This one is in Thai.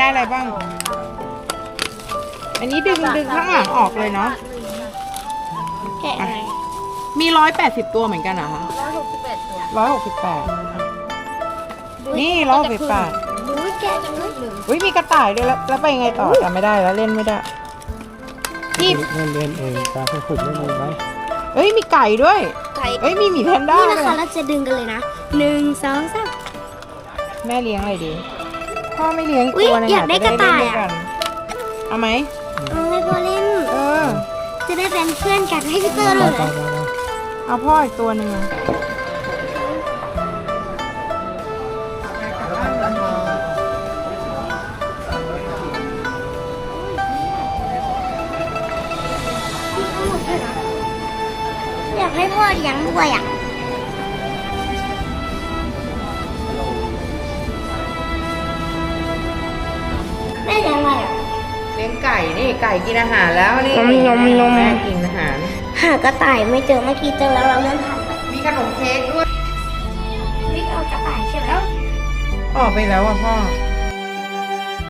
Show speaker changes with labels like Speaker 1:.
Speaker 1: ได้อะไรบ้างอันนี้ดึงข้างหลังออกเลยเนาะ
Speaker 2: แกะไง
Speaker 1: มี180ตัวเหมือนกันเหรอคะ
Speaker 2: 168 ตัว
Speaker 1: 168นี่168
Speaker 2: ดูแกะจังเลย
Speaker 1: อุ้ยมีกระต่ายด้วยแล้วไปยังไงต่อจำไม่ได้แล้วเล่นไม่ได้นี่
Speaker 3: เล่นเองตาให้ฝึกเล่นเองไหม
Speaker 1: เอ้ยมีไก่ด้วย
Speaker 2: ไก่
Speaker 1: เอ้ยมีหมีแพนด้า
Speaker 2: นี่
Speaker 1: ด้
Speaker 2: นะ
Speaker 1: วย
Speaker 2: คะเราจะดึงกันเลยนะ1 2 3
Speaker 1: แม่เลี้ยงอะไรดีพ่อไม่เลี้ยง
Speaker 2: อุ๊ย
Speaker 1: ตัวนึง
Speaker 2: อยากได้กระต่ายอะ
Speaker 1: จได้เล่นด้วยกันเอาไหม
Speaker 2: เอาให้พ่อเล่น
Speaker 1: เออ
Speaker 2: จะได้เป็นเพื่อนกันให้พี่เตอร์เลย
Speaker 1: เอาพ่ออีกตัวหนึ่ง
Speaker 2: อยากให้พ่อเลี้ยงด้วยอ่ะแม่เลี้ยงอะไรอ่ะ
Speaker 1: เลี้ยงไก่นี่ไก่กินอาหารแล้วนี่
Speaker 2: นม
Speaker 1: แม่กินอาหาร
Speaker 2: หากระต่ายไม่เจอเมื่อกี้เจอแล้วเราเริ่มทัน
Speaker 1: มีขนมเค้กด้วย
Speaker 2: วิ่งเอากระต่ายใช่ไหม
Speaker 1: ออกไปแล้วอ่ะพ่อ